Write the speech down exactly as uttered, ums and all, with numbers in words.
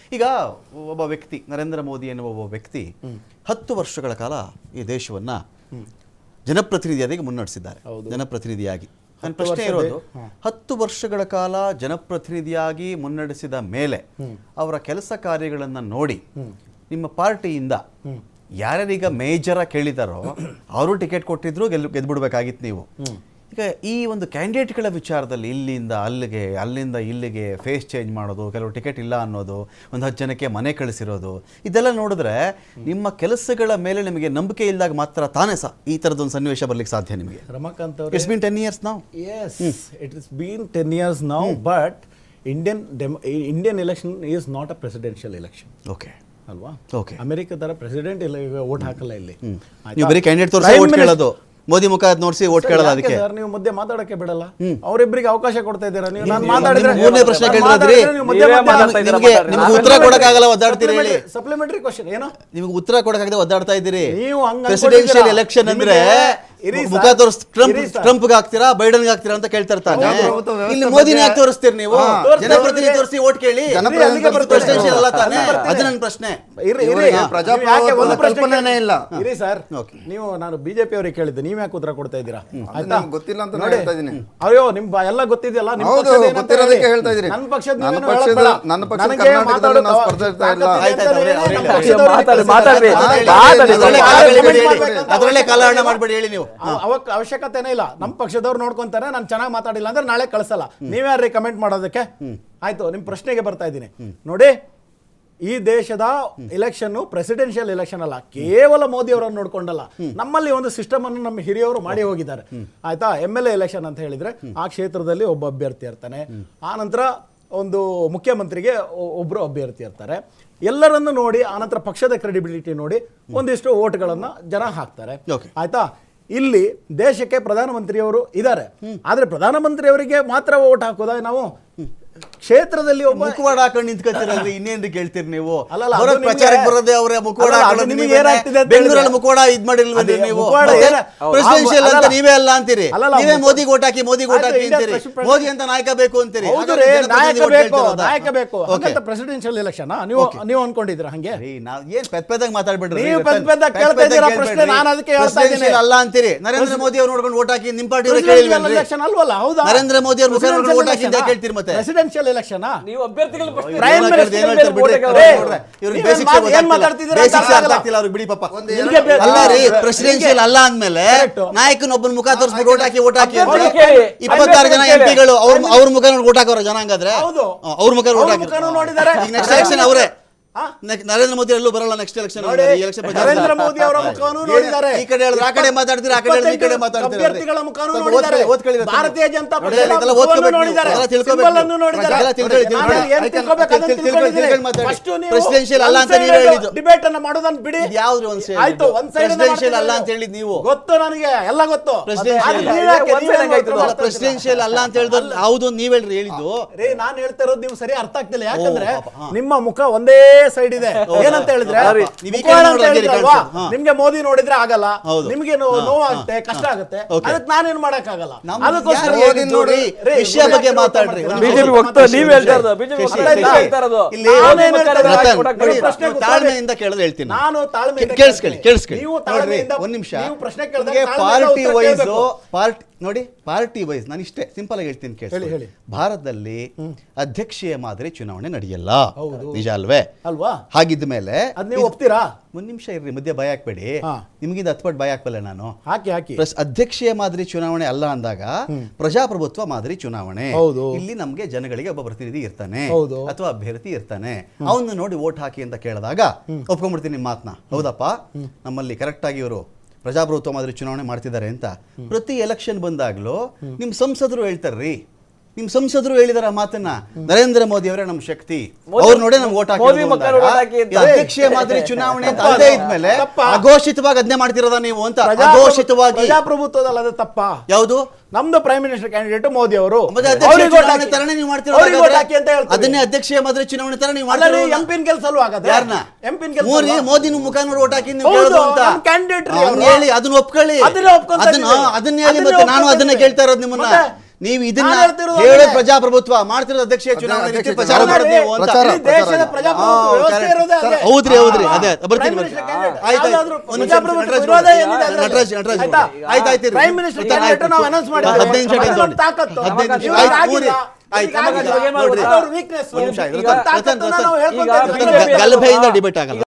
ಈಗ ಒಬ್ಬ ವ್ಯಕ್ತಿ ನರೇಂದ್ರ ಮೋದಿ ಎನ್ನುವ ಒಬ್ಬ ವ್ಯಕ್ತಿ ಹತ್ತು ವರ್ಷಗಳ ಕಾಲ ಈ ದೇಶವನ್ನ ಜನಪ್ರತಿನಿಧಿಯಾಗಿ ಮುನ್ನಡೆಸಿದ್ದಾರೆ. ಜನಪ್ರತಿನಿಧಿಯಾಗಿ ನನ್ನ ಪ್ರಶ್ನೆ ಇರೋದು, ಹತ್ತು ವರ್ಷಗಳ ಕಾಲ ಜನಪ್ರತಿನಿಧಿಯಾಗಿ ಮುನ್ನಡೆಸಿದ ಮೇಲೆ ಅವರ ಕೆಲಸ ಕಾರ್ಯಗಳನ್ನು ನೋಡಿ ನಿಮ್ಮ ಪಾರ್ಟಿಯಿಂದ ಯಾರ್ಯಾರೀಗ ಮೇಜರ ಕೇಳಿದಾರೋ ಅವರು ಟಿಕೆಟ್ ಕೊಟ್ಟಿದ್ರು ಗೆಲ್ ಗೆದ್ಬಿಡ್ಬೇಕಾಗಿತ್ತು ನೀವು. ಈಗ ಈ ಒಂದು ಕ್ಯಾಂಡಿಡೇಟ್ಗಳ ವಿಚಾರದಲ್ಲಿ ಇಲ್ಲಿಂದ ಅಲ್ಲಿಗೆ ಅಲ್ಲಿಂದ ಇಲ್ಲಿಗೆ ಫೇಸ್ ಚೇಂಜ್ ಮಾಡೋದು, ಕೆಲವು ಟಿಕೆಟ್ ಇಲ್ಲ ಅನ್ನೋದು, ಒಂದು ಹತ್ತು ಜನಕ್ಕೆ ಮನೆ ಕಳಿಸಿರೋದು, ಇದೆಲ್ಲ ನೋಡಿದ್ರೆ ನಿಮ್ಮ ಕೆಲಸಗಳ ಮೇಲೆ ನಿಮಗೆ ನಂಬಿಕೆ ಇಲ್ಲದಾಗ ಮಾತ್ರ ತಾನೇ ಸಹ ಈ ಥರದೊಂದು ಸನ್ನಿವೇಶ ಬರ್ಲಿಕ್ಕೆ ಸಾಧ್ಯ ನಿಮಗೆ. ರಮಾಕಾಂತ್ ಅವರು, it's been ten years now. Yes, it is been ten years now, but Indian Indian election is not a presidential election. Okay ಅಲ್ವಾ? ಓಕೆ. ಅಮೆರಿಕ ತರ ಪ್ರೆಸಿಡೆಂಟ್ ಇಲ್ಲ, ಓಟ್ ಹಾಕಲ್ಲ ಇಲ್ಲಿ. ನೀವು ಬರೀ ಕ್ಯಾಂಡಿಡೇಟ್ ತೋರಿಸಿ ಓಟ್ ಕೇಳೋದು, ಮೋದಿ ಮುಖ ನೋಡಿಸಿ ಓಟ್ ಕೇಳೋದು. ಅದಕ್ಕೆ ಸರ್ ನೀವು ಮಧ್ಯೆ ಮಾತಾಡಕ್ಕೆ ಬಿಡಲ್ಲ, ಅವರಿಬ್ಬರಿಗೆ ಅವಕಾಶ ಕೊಡ್ತಾ ಇದ್ದೀರಾ ನೀವು. ನಾನು ಮಾತಾಡಿದ್ರೆ ಮೂರನೇ ಪ್ರಶ್ನೆ ಕೇಳಿದ್ರಿ, ನಿಮ್ಗೆ ಉತ್ತರ ಕೊಡಕ್ಕಾಗಲ್ಲ, ಒದ್ದಾಡ್ತೀರಿ ಹೇಳಿ. ಸಪ್ಲಿಮೆಂಟರಿ ಕ್ವಶನ್ ಏನೋ, ನಿಮ್ಗೆ ಉತ್ತರ ಕೊಡಕ್ಕಾಗದೆ ಒದ್ದಾಡ್ತಾ ಇದ್ದೀರಿ. ನೀವು ಪ್ರೆಸಿಡೆನ್ಷಿಯಲ್ ಎಲೆಕ್ಷನ್ ಅಂದ್ರೆ ಮುಖ ತೋರಿಸ್ ಟ್ರಂಪ್ ಟ್ರಂಪ್ಗೆ ಹಾಕ್ತೀರಾ ಬೈಡನ್ಗೆ ಹಾಕ್ತೀರಾ ಅಂತ ಕೇಳ್ತಾ ಇರ್ತಾನೆ. ಇಲ್ಲಿ ಮೋದಿನ ಯಾಕೆ ತೋರಿಸ್ತೀರಿ ನೀವು? ಜನಪ್ರತಿನಿಧಿ ತೋರಿಸಿ ಓಟ್ ಕೇಳಿ, ಪ್ರೆಸಿಡೆನ್ಷಿಯಲ್ ಅಲ್ಲ ತಾನೆ. ಅದು ನನ್ನ ಪ್ರಶ್ನೆ. ಕಲ್ಪನೆ ಇಲ್ಲ ಇರಿ ಸರ್, ನೀವು ನಾನು ಬಿಜೆಪಿ ಅವರಿಗೆ ಕೇಳಿದ್ದೆ, ನೀವ್ ಯಾಕೆ ಉತ್ತರ ಕೊಡ್ತಾ ಇದ್ದೀರಾ? ಆಯ್ತಾ, ಗೊತ್ತಿಲ್ಲ ಅಂತ ಹೇಳ್ತಾ ಇದೀನಿ. ಅಯ್ಯೋ ನಿಮ್ ಎಲ್ಲ ಗೊತ್ತಿದೆಯಲ್ಲ, ನಿಮ್ಮ ಗೊತ್ತಿರೋದಕ್ಕೆ ಹೇಳ್ತಾ ಇದೀನಿ. ನನ್ನ ಪಕ್ಷದ ನನ್ನ ಪಕ್ಷದ ನನ್ನ ಪಕ್ಷದ ಕರ್ನಾಟಕದಲ್ಲಿ ನಾವು ಸ್ಪರ್ಧಿಸ್ತಾ ಇಲ್ಲ. ಅದರಲ್ಲೇ ಕಾಲಹರಣ ಮಾಡಬೇಡಿ ಹೇಳಿ ನೀವು. ಅವಶ್ಯಕತೆನೇ ಇಲ್ಲ. ನಮ್ಮ ಪಕ್ಷದವ್ರು ನೋಡ್ಕೊಂತಾರೆ, ನಾನು ಚೆನ್ನಾಗಿ ಮಾತಾಡಿಲ್ಲ ಅಂದ್ರೆ ನಾಳೆ ಕಳಿಸಲ್ಲ. ನೀವ್ಯಾರ್ರಿ ಕಮೆಂಟ್ ಮಾಡೋದಕ್ಕೆ? ಆಯ್ತು, ನಿಮ್ ಪ್ರಶ್ನೆಗೆ ಬರ್ತಾ ಇದ್ದೀನಿ ನೋಡಿ. ಈ ದೇಶದ ಎಲೆಕ್ಷನ್ ಪ್ರೆಸಿಡೆನ್ಷಿಯಲ್ ಎಲೆಕ್ಷನ್ ಅಲ್ಲ, ಕೇವಲ ಮೋದಿ ಅವರನ್ನು ನೋಡ್ಕೊಂಡಲ್ಲ. ನಮ್ಮಲ್ಲಿ ಒಂದು ಸಿಸ್ಟಮ್ ಅನ್ನು ನಮ್ಮ ಹಿರಿಯವರು ಮಾಡಿ ಹೋಗಿದ್ದಾರೆ. ಆಯ್ತಾ, ಎಂ ಎಲ್ ಎ ಎಲೆಕ್ಷನ್ ಅಂತ ಹೇಳಿದ್ರೆ ಆ ಕ್ಷೇತ್ರದಲ್ಲಿ ಒಬ್ಬ ಅಭ್ಯರ್ಥಿ ಇರ್ತಾನೆ, ಆ ನಂತರ ಒಂದು ಮುಖ್ಯಮಂತ್ರಿಗೆ ಒಬ್ರು ಅಭ್ಯರ್ಥಿ ಇರ್ತಾರೆ. ಎಲ್ಲರನ್ನು ನೋಡಿ ಆನಂತರ ಪಕ್ಷದ ಕ್ರೆಡಿಬಿಲಿಟಿ ನೋಡಿ ಒಂದಿಷ್ಟು ಓಟ್ಗಳನ್ನ ಜನ ಹಾಕ್ತಾರೆ. ಆಯ್ತಾ, ಇಲ್ಲಿ ದೇಶಕ್ಕೆ ಪ್ರಧಾನಮಂತ್ರಿಯವರು ಇದ್ದಾರೆ, ಆದ್ರೆ ಪ್ರಧಾನಮಂತ್ರಿಯವರಿಗೆ ಮಾತ್ರ ಓಟ್ ಹಾಕೋದ ನಾವು? ಕ್ಷೇತ್ರದಲ್ಲಿ ಒಬ್ಬ ಮುಖವಾಡ ಹಾಕೊಂಡು ನಿಂತ್ಕೊತೀರಲ್ರಿ, ಇನ್ನೇನ್ರಿ ಕೇಳ್ತೀರಿ ನೀವು? ಅಲ್ಲಲ್ಲ, ಪ್ರಚಾರಕ್ಕೆ ಬರೋದೇ ಅವರೇ ಮುಖವಾಡ ಬೆಂಗಳೂರಲ್ಲಿ ಮುಖವಾಡ ಇದ್ ಮಾಡಿಲ್ವೇ ನೀವು? ಪ್ರೆಸಿಡೆನ್ಷಿಯಲ್ ಅಂತ ನೀವೇ ಅಲ್ಲ ಅಂತೀರಿ, ನೀವೇ ಮೋದಿ ಓಟ್ ಹಾಕಿ ಮೋದಿ ಓಟ್ ಹಾಕಿ ಅಂತೀರಿ, ಮೋದಿ ಅಂತ ನಾಯಕ ಬೇಕು ಅಂತೀರಿ. ನಾಯಕ ಬೇಕು, ನಾಯಕ ಬೇಕು ಅಂತ ಪ್ರೆಸಿಡೆನ್ಷಿಯಲ್ ಎಲೆಕ್ಷನ್ ನೀವು ನೀವು ಅನ್ಕೊಂಡಿದ್ರ? ಹಂಗೆ ನಾವ್ ಏನ್ ಪೆದ್ ಪೆದ್ದಾಗಿ ಮಾತಾಡ್ಬಿಡ್ರಿ, ನೀವು ಪೆದ್ ಪೆದ್ದಾಗಿ ಕೇಳ್ತಾ ಇದ್ದೀರಾ ಪ್ರಶ್ನೆ. ನಾನು ಅದಕ್ಕೆ ಹೇಳ್ತಾ ಇದ್ದೀನಿ, ಅಲ್ಲ ಅಂತೀರಿ. ನರೇಂದ್ರ ಮೋದಿ ಅವ್ರು ನೋಡ್ಕೊಂಡು ಓಟ್ ಹಾಕಿ ನಿಮ್ ಪಾರ್ಟಿ ಕೇಳಿಲ್ವೇನ್ರಿ? ಎಲೆಕ್ಷನ್ ಅಲ್ವಲ್ಲ? ಹೌದಾ? ನರೇಂದ್ರ ಮೋದಿ ಅವ್ರ ಮುಖ ನೋಡ್ಕೊಂಡು ಓಟ್ ಹಾಕಿ ಅಂತ ಕೇಳ್ತೀರಿ. ಮತ್ತೆ ಪ್ರೆಸಿಡೆನ್ಷಿಯಲ್ ಎಲೆಕ್ಷನ್ ನೀವು ಅಭ್ಯರ್ಥಿಗಳು ಪ್ರೈಮ್ ಮಿನಿಸ್ಟರ್ ಪ್ರೆಸಿಡೆನ್ಷಿಯಲ್ ಅಲ್ಲ ಅಂದ್ಮೇಲೆ ನಾಯಕನೊಬ್ಬನ ಮುಖ ತೋರಿಸ್ಬಿಟ್ಟು ಓಟ್ ಹಾಕಿ ಓಟ್ ಹಾಕಿ ಇಪ್ಪತ್ತಾರು ಜನ ಎಂ ಪಿಗಳು ಅವ್ರ ಅವ್ರ ಮುಖ ನೋಡಿ ಓಟ್ ಹಾಕೋರ ಜನ. ಹಂಗಾದ್ರೆ ಅವ್ರ ಮುಖ ಓಟ್ ಹಾಕಿ ನೆಕ್ಸ್ಟ್ ಎಲೆಕ್ಷನ್ ಅವರೇ. ನರೇಂದ್ರ ಮೋದಿ ಎಲ್ಲೂ ಬರಲ್ಲ ನೆಕ್ಸ್ಟ್ ಎಲೆಕ್ಷನ್. ನರೇಂದ್ರ ಮೋದಿ ಅವರ ಮುಖವನ್ನು ನೋಡಿದ್ದಾರೆ, ಈ ಕಡೆ ಹೇಳಿದ್ರೆ ಆ ಕಡೆ ಮಾತಾಡ್ತೀರಾ, ಆ ಕಡೆ ಹೇಳಿದ್ರೆ ಈ ಕಡೆ ಮಾತಾಡ್ತೀರಾ. ಅಭ್ಯರ್ಥಿಗಳ ಮುಖವನ್ನು ನೋಡಿದ್ದಾರೆ, ಭಾರತೀಯ ಜನತಾ ಪಕ್ಷದ ಮುಖವನ್ನು ನೋಡಿದ್ದಾರೆ, ಸಿಂಬಲ್ ಅನ್ನು ನೋಡಿದ್ದಾರೆ. ಪ್ರೆಸಿಡೆನ್ಷಿಯಲ್ ಅಲ್ಲ ಅಂತ ನೀವು ಹೇಳಿದ್ದು, ಡಿಬೇಟ್ ಅನ್ನು ಮಾಡೋದನ್ನ ಬಿಡಿ. ಯಾವ್ದು ಒಂದ್ ಸೈಡ್ ಆಯ್ತು, ಒಂದ್ ಸೈಡ್ ಪ್ರೆಸಿಡೆನ್ಷಿಯಲ್ ಅಲ್ಲ ಅಂತ ಹೇಳಿದ್ ನೀವು. ಗೊತ್ತು ನನಗೆ, ಎಲ್ಲ ಗೊತ್ತು. ಪ್ರೆಸಿಡೆನ್ಷಿಯಲ್ ಅಲ್ಲ ಅಂತ ಹೇಳಿದ್ರೆ ಹೌದು ನೀವ್ ಹೇಳ್ರಿ ಹೇಳಿದ್ದು. ರೇ ನಾನು ಹೇಳ್ತಾ ಇರೋದು ನೀವು ಸರಿ ಅರ್ಥ ಆಗ್ತಿಲ್ಲ. ಯಾಕಂದ್ರೆ ನಿಮ್ಮ ಮುಖ ಒಂದೇ ಸೈಡ್ ಇದೆ. ಏನಂತ ಹೇಳಿದ್ರೆ ನಿಮ್ಗೆ ಮೋದಿ ನೋಡಿದ್ರೆ ಆಗಲ್ಲ, ನಿಮ್ಗೆ ನೋವಾಗುತ್ತೆ, ಕಷ್ಟ ಆಗುತ್ತೆ, ಅದಕ್ಕೆ ನಾನೇನ್ ಮಾಡಕ್ ಆಗಲ್ಲ. ಅದಕ್ಕೋಸ್ಕರ ನೋಡಿ ವಿಷಯ ಬಗ್ಗೆ ಮಾತಾಡ್ರಿ. ತಾಳ್ಮೆಯಿಂದ ಕೇಳಿದ್ರೆ ಹೇಳ್ತೀನಿ ನಾನು. ತಾಳ್ಮೆ ಕೇಳಿಸ್ಕೊಳ್ಳಿ ಕೇಳಿಸ್ಕೊಳ್ಳಿ ಒಂದ್ ನಿಮಿಷ. ಪಾರ್ಟಿ ವೈಸ್ ಪಾರ್ಟಿ ನೋಡಿ, ಪಾರ್ಟಿ ವೈಸ್ ನಾನು ಇಷ್ಟೇ ಸಿಂಪಲ್ ಆಗಿ ಹೇಳ್ತೀನಿ ಕೇಳಿ. ಭಾರತದಲ್ಲಿ ಅಧ್ಯಕ್ಷೀಯ ಮಾದರಿ ಚುನಾವಣೆ ನಡೆಯಲ್ಲ, ನಿಜ ಅಲ್ವೇ? ಅಲ್ವಾ? ಹಾಗಿದ್ದ ಮೇಲೆ ನೀವು ಒಪ್ತೀರಾ? ಒಂದ್ ನಿಮಿಷ ಇರ್ರಿ, ಮಧ್ಯೆ ಭಯ ಹಾಕ್ಬೇಡಿ. ನಿಮಗಿಂದ ಹತ್ಪಟ್ಟು ಭಯ ಹಾಕ್ಬಲ್ಲ ನಾನು. ಹಾಕಿ ಹಾಕಿ ಅಧ್ಯಕ್ಷೀಯ ಮಾದರಿ ಚುನಾವಣೆ ಅಲ್ಲ ಅಂದಾಗ ಪ್ರಜಾಪ್ರಭುತ್ವ ಮಾದರಿ ಚುನಾವಣೆ. ಇಲ್ಲಿ ನಮ್ಗೆ ಜನಗಳಿಗೆ ಒಬ್ಬ ಪ್ರತಿನಿಧಿ ಇರ್ತಾನೆ ಅಥವಾ ಅಭ್ಯರ್ಥಿ ಇರ್ತಾನೆ, ಅವನ್ನ ನೋಡಿ ವೋಟ್ ಹಾಕಿ ಅಂತ ಕೇಳಿದಾಗ ಒಪ್ಕೊಂಡ್ಬಿಡ್ತೀನಿ ನಿಮ್ಮ ಮಾತನ್ನ. ಹೌದಪ್ಪ, ನಮ್ಮಲ್ಲಿ ಕರೆಕ್ಟ್ ಆಗಿ ಇವರು ಪ್ರಜಾಪ್ರಭುತ್ವ ಮಾದರಿ ಚುನಾವಣೆ ಮಾಡ್ತಿದ್ದಾರೆ ಅಂತ ಪ್ರತಿ ಎಲೆಕ್ಷನ್ ಬಂದಾಗ್ಲೂ ನಿಮ್ ಸಂಸದರು ಹೇಳ್ತಾರ್ರಿ. ನಿಮ್ ಸಂಸದರು ಹೇಳಿದಾರ ಮಾತನ್ನ, ನರೇಂದ್ರ ಮೋದಿ ಅವರೇ ನಮ್ ಶಕ್ತಿ, ಅವ್ರು ನೋಡಿ ನಮ್ಗೆ ಓಟ್ ಹಾಕಿ. ಅಧ್ಯಕ್ಷೀಯ ಮಾದರಿ ಚುನಾವಣೆ ಅಂತ ಅದೇ ಇದ್ಮೇಲೆ ಅಘೋಷಿತವಾಗಿ ಅದನ್ನೇ ಮಾಡ್ತಿರೋದ ನೀವು ಅಂತ. ಅಘೋಷಿತವಾಗಿ ಪ್ರಜಾಪ್ರಭುತ್ವದಲ್ಲಿ ಅದು ತಪ್ಪ. ಯಾವುದು? ನಮ್ದು ಪ್ರೈಮ್ ಮಿನಿಸ್ಟರ್ ಕ್ಯಾಂಡಿಡೇಟ್ ಮೋದಿ ಅವರು, ತರನೇ ನೀವು ಮಾಡ್ತಿರೋದು ಅದನ್ನೇ ಅಧ್ಯಕ್ಷೀಯ ಮಾದರಿ ಚುನಾವಣೆ ತರ ನೀವು ಮಾಡ್ತೀರಿ. ಎಂಪಿನ್ ಕೆಲಸ ಅಲ್ವಾ? ಯಾರನ್ನ ಎಂಪಿನ್ ಕೆಲಸ? ಮೋದಿ ಮುಖ ನೋಡಿ ಓಟ್ ಹಾಕಿ ನೀವು ಕೇಳೋದು ಅಂತ ಕ್ಯಾಂಡಿಡೇಟ್ ಹೇಳಿ ಅದನ್ನ ಒಪ್ಕೊಳ್ಳಿ. ಅದನ್ನ ಹೇಳಿ ಮತ್ತೆ ನಾನು ಅದನ್ನ ಕೇಳ್ತಾ ಇರೋದು ನಿಮ್ಮನ್ನ. ನೀವು ಇದನ್ನ ನಾನು ಹೇಳ್ತಿರೋದು ಹೇಳೋದು ಅದೇ. ಪ್ರಜಾಪ್ರಭುತ್ವ ಮಾಡ್ತಿರೋದು ಅಧ್ಯಕ್ಷೀಯ ಚುನಾವಣೆ ಅಧ್ಯಕ್ಷೀಯ ರೀತಿ ಪ್ರಚಾರ ಚುನಾವಣೆ. ಮಾಡೋದು ನೀವು ಅಂತ. ಪ್ರಚಾರ, ಈ ದೇಶದ ಪ್ರಚಾರ. ಪ್ರಜಾಪ್ರಭುತ್ವ ಆ, ವ್ಯವಸ್ಥೆ correct. ಇರೋದೇ ಅದೇ. ಹೌದ್ರಿ ಹೌದ್ರಿ ಅದೇ ಬರ್ತೀನಿ Prime ಬರ್ತೀನಿ. Minister candidate ಆಯ್ತು, ಆಯ್ತು. ಯಾವ್ದಾದ್ರು ಒಂದು ನಿಮಿಷ, ಪ್ರಜಾಪ್ರಭುತ್ವ ನಟರಾಜ್ ವಿರೋಧ ನೋಡಿ. ಏನಿದೆ ಅದ್ರಲ್ಲಿ? ನಟರಾಜ್ ನಟರಾಜ್ ಆಯ್ತಾ? ನೋಡಿ. ಆಯ್ತು ಆಯ್ತು ಇರ್ಲಿ. Prime Minister ಆಯ್ತು, candidate ಆಯ್ತು. ನಾವು announce ಮಾಡಿದ್ದೇವೆ. ಹದಿನೈದು ನಿಮಿಷ ಅದೊಂದು ಟೈಮ್ ತಗೊಳ್ಳಿ. ತಾಕತ್ತು. ಹದಿನೈದು ನಿಮಿಷ. ಇವಾಗ ಆಯ್ತು, ಆಗಿಲ್ಲ. ಊರಿ. ಆಯ್ತು, ಈಗ ಆಗಿಲ್ಲ. ನೋಡ್ರಿ. ಅದವ್ರ weakness. ಒಂದು ನಿಮಿಷ ಆಯ್ತು. ಇದೊಂದು ರತನ್, ತಾಕತ್ತನ್ನ ರತನ್, ನಾವು ರತನ್. ಹೇಳ್ಕೊತಾ ಇದ್ದೀವಿ. ಗಲಭೆಯಿಂದ ಡಿಬೇಟ್ ಆಗಲ್ಲ.